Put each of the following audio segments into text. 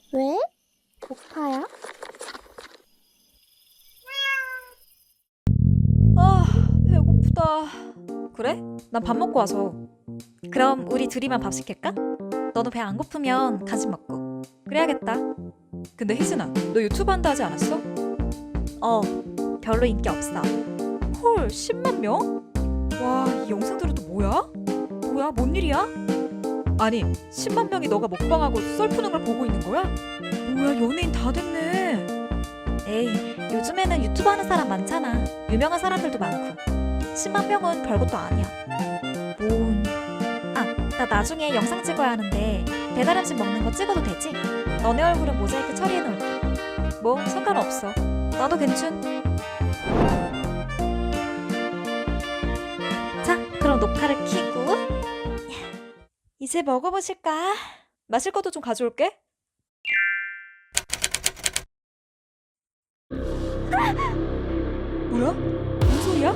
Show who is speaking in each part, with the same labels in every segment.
Speaker 1: 왜? 고파요?
Speaker 2: 아, 배고프다. 그래? 난 밥 먹고 와서. 그럼 우리 둘이만 밥 시킬까? 너도 배 안 고프면 간식 먹고. 그래야겠다. 근데 희진아, 너 유튜브 한다 하지 않았어? 별로 인기 없어. 헐, 10만 명? 와, 이 영상들은 또 뭐야? 뭐야, 뭔 일이야? 아니, 10만 명이 너가 먹방하고 썰 푸는 걸 보고 있는 거야? 뭐야, 연예인 다 됐네. 에이, 요즘에는 유튜브 하는 사람 많잖아. 유명한 사람들도 많고. 10만 명은 별것도 아니야. 나 나중에 영상 찍어야 하는데 배달 음식 먹는 거 찍어도 되지? 너네 얼굴은 모자이크 처리해놓을게. 뭐 상관없어. 나도 괜춘. 자, 그럼 녹화를 켜고 이제 먹어보실까? 마실 것도 좀 가져올게. 뭐야? 무슨 소리야?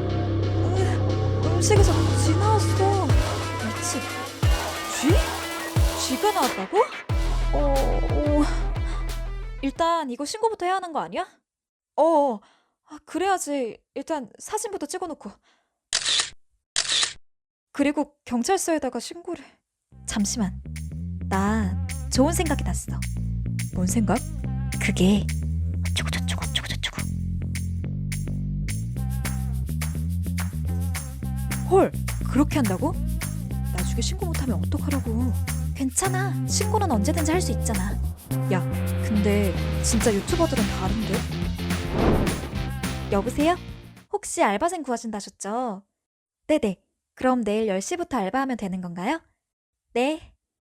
Speaker 2: 음식에서 쥐 나왔어. 미친. 쥐? 쥐가 나왔다고? 일단 이거 신고부터 해야 하는 거 아니야? 그래야지. 일단 사진부터 찍어놓고. 그리고 경찰서에다가 신고를. 잠시만. 나 좋은 생각이 났어. 뭔 생각? 그게 어쩌고저쩌고 어쩌고저쩌고. 헐, 그렇게 한다고? 나중에 신고 못하면 어떡하라고. 괜찮아. 신고는 언제든지 할 수 있잖아. 야, 근데 진짜 유튜버들은 다른데? 여보세요? 혹시 알바생 구하신다셨죠? 네네. 그럼 내일 10시부터 알바하면 되는 건가요? 네.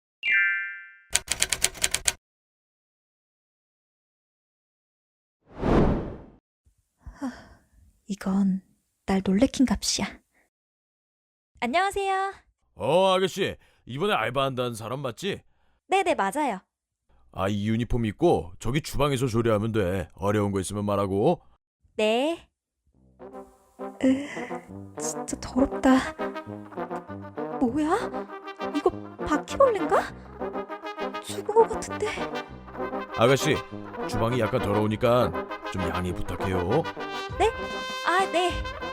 Speaker 2: 이건 날 놀래킨 값이야. 안녕하세요.
Speaker 3: 아가씨, 이번에 알바한다는 사람 맞지?
Speaker 2: 네네, 맞아요.
Speaker 3: 이 유니폼 입고 저기 주방에서 조리하면 돼. 어려운 거 있으면 말하고.
Speaker 2: 네. 진짜 더럽다. 뭐야? 이거 바퀴벌레인가? 죽은 것 같은데.
Speaker 3: 아가씨, 주방이 약간 더러우니까 좀 양해 부탁해요.
Speaker 2: 네? 네.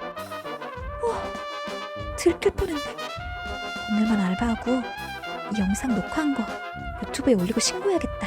Speaker 2: 들킬 뻔했네. 오늘만 알바하고 이 영상 녹화한 거 유튜브에 올리고 신고해야겠다.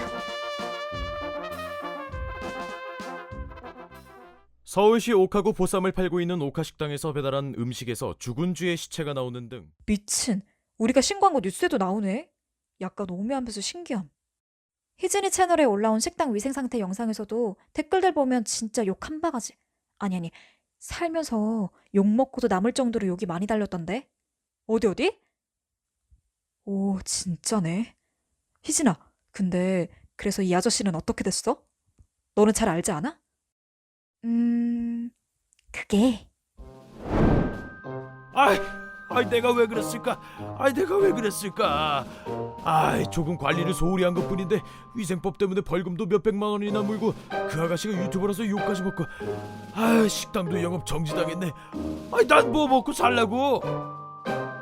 Speaker 3: 서울시 옥하구 보쌈을 팔고 있는 옥하식당에서 배달한 음식에서 죽은 쥐의 시체가 나오는 등
Speaker 2: 미친. 우리가 신고한 거 뉴스에도 나오네. 약간 오묘하면서 신기함. 희진이 채널에 올라온 식당 위생 상태 영상에서도 댓글들 보면 진짜 욕 한 바가지. 아니. 살면서 욕 먹고도 남을 정도로 욕이 많이 달렸던데. 어디? 오, 진짜네. 희진아, 근데 그래서 이 아저씨는 어떻게 됐어? 너는 잘 알지 않아? 그게
Speaker 3: 내가 왜 그랬을까? 내가 왜 그랬을까? 조금 관리를 소홀히 한 것뿐인데 위생법 때문에 벌금도 몇백만 원이나 물고 그 아가씨가 유튜버라서 욕까지 먹고 식당도 영업 정지당했네. 난 뭐 먹고 살라고?